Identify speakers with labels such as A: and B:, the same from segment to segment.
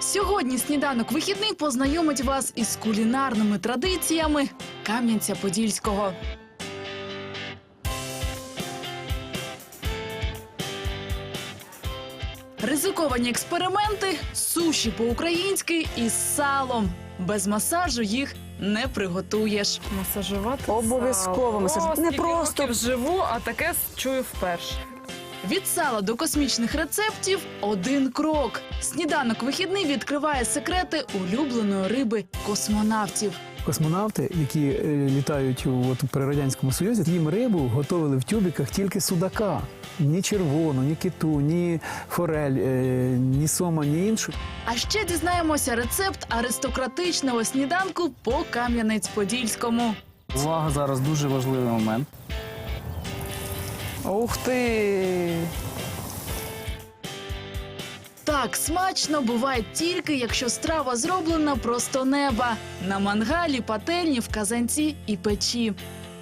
A: Сьогодні сніданок вихідний познайомить вас із кулінарними традиціями Кам'янця-Подільського. Ризиковані експерименти, суші по-українськи із салом. Без масажу їх не приготуєш.
B: Масажувати
C: Обов'язково масажувати. Не
B: Не
C: просто.
B: просто живу, а таке чую вперше.
A: Від сала до космічних рецептів – один крок. Сніданок вихідний відкриває секрети улюбленої риби космонавтів.
D: Космонавти, які літають при Радянському Союзі, їм рибу готували в тюбіках тільки судака. Ні червону, ні киту, ні форель, ні сома, ні іншу.
A: А ще дізнаємося рецепт аристократичного сніданку по Кам'янець-Подільському.
E: Увага, зараз дуже важливий момент.
B: Ух ти!
A: Так смачно буває тільки, якщо страва зроблена просто неба. На мангалі, пательні, в казанці і печі.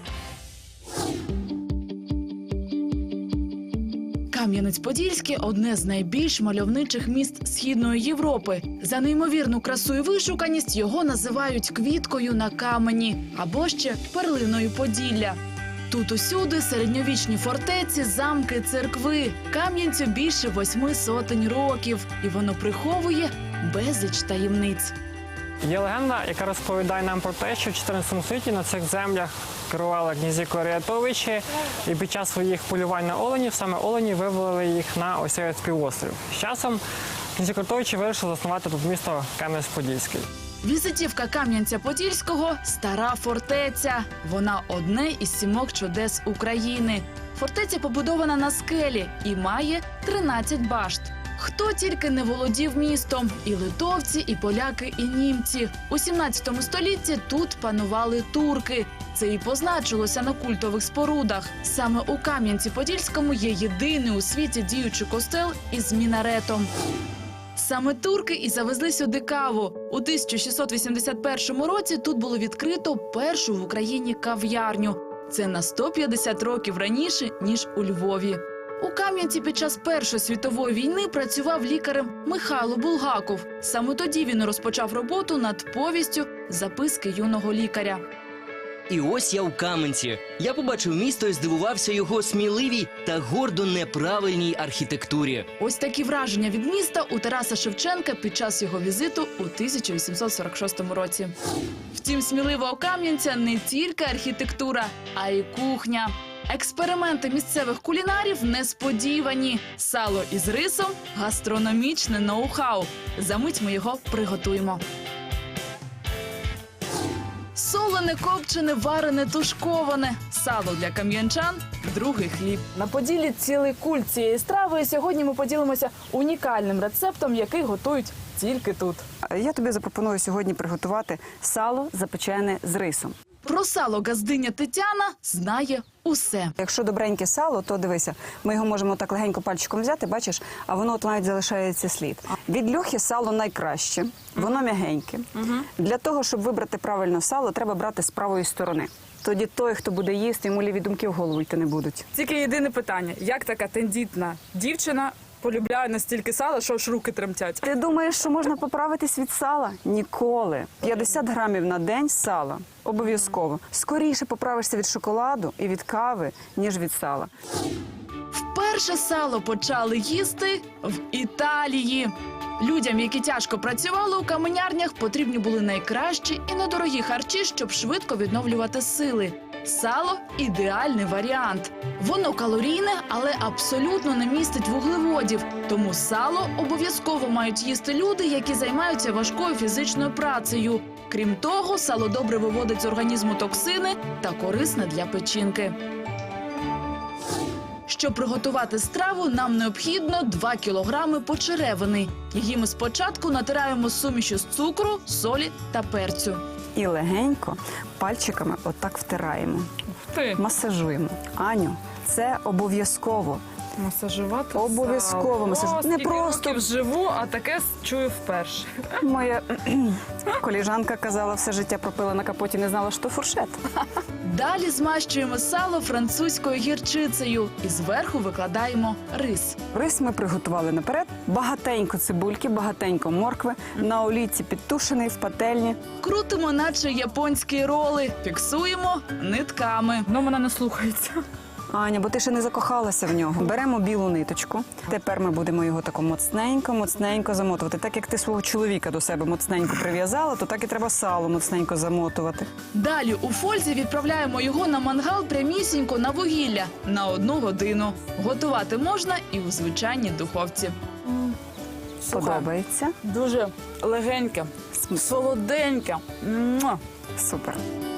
A: Кам'янець-Подільський – одне з найбільш мальовничих міст Східної Європи. За неймовірну красу і вишуканість його називають квіткою на камені або ще перлиною Поділля. Тут усюди середньовічні фортеці, замки, церкви. Кам'янцю більше 800 років, і воно приховує безліч таємниць.
F: Є легенда, яка розповідає нам про те, що в 14 столітті на цих землях керували князі Корятовичі, і під час своїх полювань на оленів саме олені вивели їх на ось цей півострів. З часом князі Корятовичі вирішили заснувати тут місто Кам'янець-Подільський.
A: Візитівка Кам'янця-Подільського – стара фортеця. Вона одне із 7 чудес України. Фортеця побудована на скелі і має 13 башт. Хто тільки не володів містом – і литовці, і поляки, і німці. У 17 столітті тут панували турки. Це і позначилося на культових спорудах. Саме у Кам'янці-Подільському є єдиний у світі діючий костел із мінаретом. Саме турки і завезли сюди каву. У 1681 році тут було відкрито першу в Україні кав'ярню. Це на 150 років раніше, ніж у Львові. У Кам'янці під час Першої світової війни працював лікарем Михайло Булгаков. Саме тоді він розпочав роботу над повістю «Записки юного лікаря».
G: І ось я у Кам'янці. Я побачив місто і здивувався його сміливій та гордо неправильній архітектурі.
A: Ось такі враження від міста у Тараса Шевченка під час його візиту у 1846 році. Втім, сміливого кам'янця не тільки архітектура, а й кухня. Експерименти місцевих кулінарів несподівані. Сало із рисом – гастрономічне ноу-хау. Замить ми його приготуємо. Солене, копчене, варене, тушковане. Сало для кам'янчан – другий хліб.
B: На Поділлі цілий культ цієї страви, і сьогодні ми поділимося унікальним рецептом, який готують тільки тут.
C: Я тобі запропоную сьогодні приготувати сало, запечене з рисом.
A: Про сало газдиня Тетяна знає усе.
C: Якщо добреньке сало, то дивися, ми його можемо так легенько пальчиком взяти, бачиш, а воно от навіть залишається слід. Від льохи сало найкраще, воно м'ягеньке. Для того, щоб вибрати правильно сало, треба брати з правої сторони. Тоді той, хто буде їсти, йому ліві думки в голову йти не будуть.
B: Тільки єдине питання, як така тендітна дівчина полюбляє настільки сала, що аж руки тремтять?
C: Ти думаєш, що можна поправитись від сала? Ніколи. 50 грамів на день сала. Обов'язково. Скоріше поправишся від шоколаду і від кави, ніж від сала.
A: Вперше сало почали їсти в Італії. Людям, які тяжко працювали у каменярнях, потрібні були найкращі і недорогі харчі, щоб швидко відновлювати сили. Сало – ідеальний варіант. Воно калорійне, але абсолютно не містить вуглеводів. Тому сало обов'язково мають їсти люди, які займаються важкою фізичною працею. Крім того, сало добре виводить з організму токсини та корисне для печінки. Щоб приготувати страву, нам необхідно 2 кілограми почеревини. Її ми спочатку натираємо сумішю з цукру, солі та перцю.
C: І легенько пальчиками отак втираємо.
B: Ти.
C: Масажуємо. Аню, це обов'язково.
B: Масажувати
C: Обов'язково
B: сало.
C: масажу-
B: О,
C: Не
B: скільки
C: просто-
B: років живу, а таке чую вперше.
C: Моя коліжанка казала, все життя пропила на капоті, не знала, що фуршет.
A: Далі змащуємо сало французькою гірчицею і зверху викладаємо рис.
C: Рис ми приготували наперед. Багатенько цибульки, багатенько моркви, на олійці підтушений в пательні.
A: Крутимо, наче японські роли, фіксуємо нитками.
B: Ну, мене не слухається.
C: Аня, бо ти ще не закохалася в нього. Беремо білу ниточку. Тепер ми будемо його тако моцненько замотувати. Так як ти свого чоловіка до себе моцненько прив'язала, то так і треба сало моцненько замотувати.
A: Далі у фользі відправляємо його на мангал прямісінько на вугілля на 1 годину. Готувати можна і у звичайній духовці.
C: Подобається?
B: Дуже легеньке, солоденьке. Муа.
C: Супер.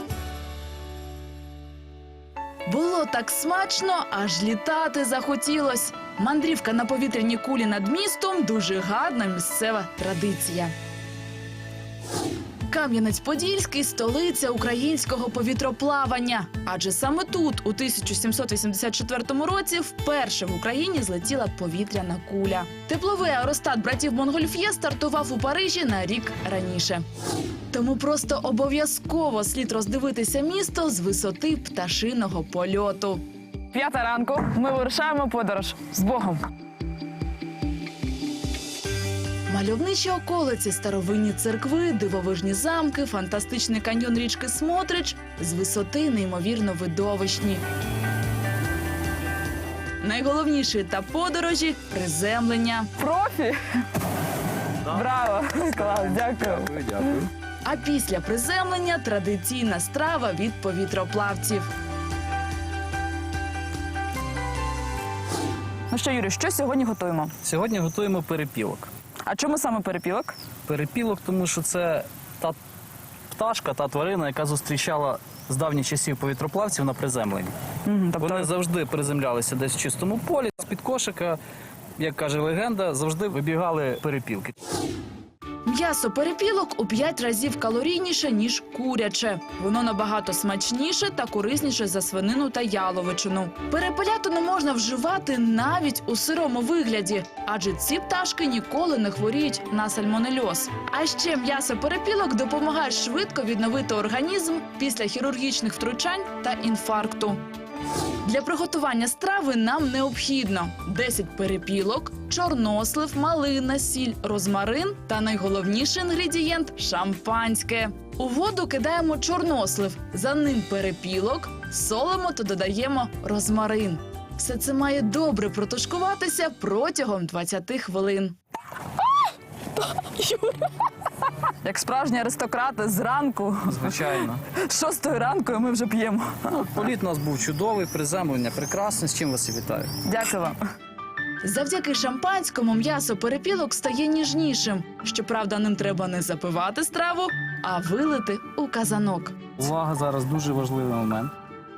A: Було так смачно, аж літати захотілось. Мандрівка на повітряній кулі над містом – дуже гарна місцева традиція. Кам'янець-Подільський – столиця українського повітроплавання. Адже саме тут, у 1784 році, вперше в Україні злетіла повітряна куля. Тепловий аеростат братів Монгольф'є стартував у Парижі на рік раніше. Тому просто обов'язково слід роздивитися місто з висоти пташиного польоту.
B: 5 ранку, ми вирушаємо в подорож. З Богом!
A: Мальовничі околиці, старовинні церкви, дивовижні замки, фантастичний каньйон річки Смотрич з висоти неймовірно видовищні. Найголовніший етап подорожі – приземлення.
B: Профі! Браво! Клас, дякую.
A: А після приземлення – традиційна страва від повітроплавців.
B: Ну що, Юрій, що сьогодні готуємо?
E: Сьогодні готуємо перепілок.
B: А чому саме перепілок?
E: Перепілок, тому що це та пташка, та тварина, яка зустрічала з давніх часів повітроплавців на приземленні. Вони завжди приземлялися десь в чистому полі. З-під кошика, як каже легенда, завжди вибігали перепілки.
A: М'ясо перепілок у 5 разів калорійніше, ніж куряче. Воно набагато смачніше та корисніше за свинину та яловичину. Перепелятину можна вживати навіть у сирому вигляді, адже ці пташки ніколи не хворіють на сальмонельоз. А ще м'ясо перепілок допомагає швидко відновити організм після хірургічних втручань та інфаркту. Для приготування страви нам необхідно 10 перепілок, чорнослив, малина, сіль, розмарин та найголовніший інгредієнт – шампанське. У воду кидаємо чорнослив, за ним перепілок, солимо та додаємо розмарин. Все це має добре протушкуватися протягом 20 хвилин.
B: Як справжні аристократи зранку,
E: Звичайно.
B: з 6 ранку, і ми вже п'ємо.
E: Політ у нас був чудовий, приземлення прекрасне. З чим вас і вітаю.
B: Дякую вам.
A: Завдяки шампанському м'ясо перепілок стає ніжнішим. Щоправда, ним треба не запивати страву, а вилити у казанок.
E: Увага, зараз дуже важливий момент.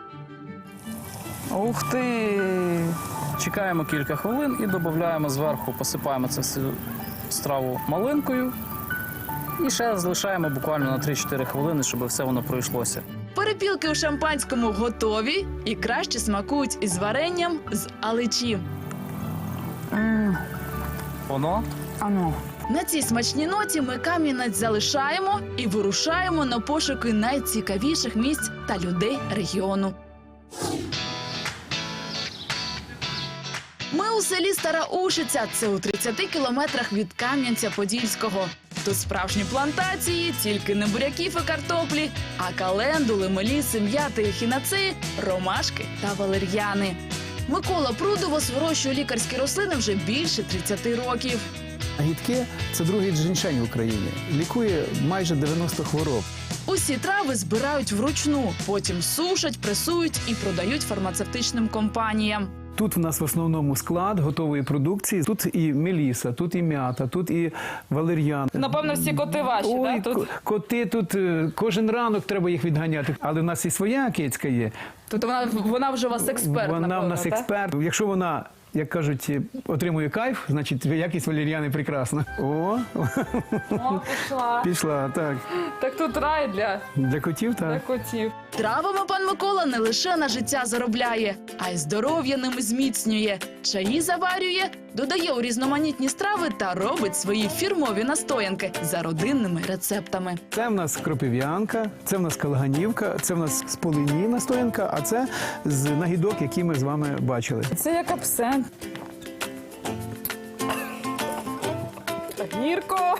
B: Ух ти!
E: Чекаємо кілька хвилин і додаємо зверху, посипаємо цю всю страву малинкою. І ще залишаємо буквально на 3-4 хвилини, щоб все воно пройшлося.
A: Перепілки у шампанському готові і краще смакують із варенням з аличі.
E: Воно
B: Ану.
A: На цій смачній ноті ми Кам'янець залишаємо і вирушаємо на пошуки найцікавіших місць та людей регіону. Ми у селі Стара Ушиця, це у 30 кілометрах від Кам'янця-Подільського. Тут справжні плантації, тільки не буряків і картоплі, а календули, меліси, м'яти, ехінацеї, ромашки та валер'яни. Микола Прудовос вирощує лікарські рослини вже більше 30 років.
D: Гідке – це другий джиншень в Україні. Лікує майже 90 хвороб.
A: Усі трави збирають вручну, потім сушать, пресують і продають фармацевтичним компаніям.
D: Тут в нас в основному склад готової продукції. Тут і меліса, тут і м'ята, тут і валер'ян.
B: Напевно, всі коти ваші,
D: Ой,
B: да? Тут...
D: коти тут кожен ранок треба їх відганяти. Але в нас і своя кицька є.
B: Тобто вона вже у вас експерт,
D: Вона
B: напевно,
D: в нас
B: так?
D: експерт. Якщо вона, як кажуть, отримує кайф, значить якість валер'яни прекрасна. О,
B: О, пішла.
D: пішла, так.
B: Так тут рай для
D: Для котів, так.
B: котів.
A: Травами пан Микола не лише на життя заробляє, а й здоров'я ними зміцнює. Чаї заварює, додає у різноманітні страви та робить свої фірмові настоянки за родинними рецептами.
D: Це в нас кропив'янка, це в нас калаганівка, це в нас з полині настоянка, а це з нагідок, які ми з вами бачили.
B: Це як абсент. Гірко.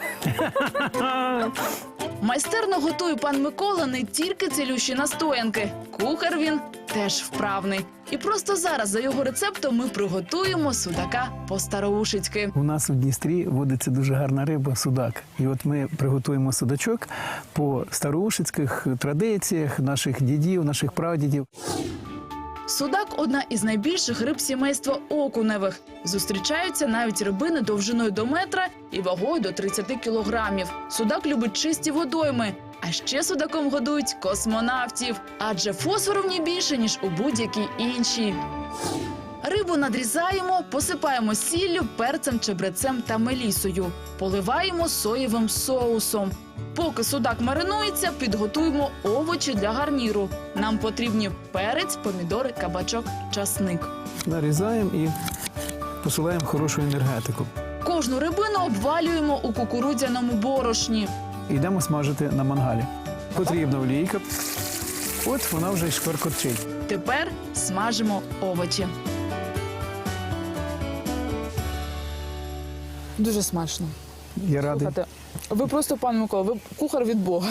A: Майстерно готує пан Микола не тільки цілющі настоянки. Кухар він теж вправний. І просто зараз за його рецептом ми приготуємо судака по-староушицьки.
D: У нас у Дністрі водиться дуже гарна риба судак. І от ми приготуємо судачок по староушицьких традиціях наших дідів, наших прадідів.
A: Судак – одна із найбільших риб сімейства окуневих. Зустрічаються навіть рибини довжиною до метра і вагою до 30 кілограмів. Судак любить чисті водойми. А ще судаком годують космонавтів, адже фосфору в ній більше, ніж у будь-якій іншій. Рибу надрізаємо, посипаємо сіллю, перцем, чебрецем та мелісою. Поливаємо соєвим соусом. Поки судак маринується, підготуємо овочі для гарніру. Нам потрібні перець, помідори, кабачок, часник.
D: Нарізаємо і посилаємо хорошу енергетику.
A: Кожну рибину обвалюємо у кукурудзяному борошні.
D: Йдемо смажити на мангалі. Потрібна олійка. От вона вже й шкваркотчить.
A: Тепер смажимо овочі.
B: Дуже смачно.
D: Я радий.
B: Слухайте, ви просто, пан Микола, ви кухар від Бога.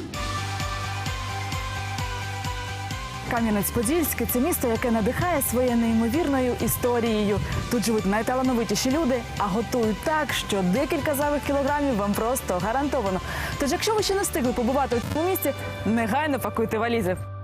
B: Кам'янець-Подільський – це місто, яке надихає своєю неймовірною історією. Тут живуть найталановитіші люди, а готують так, що декілька зайвих кілограмів вам просто гарантовано. Тож, якщо ви ще не встигли побувати у цьому місці, негайно пакуйте валізи.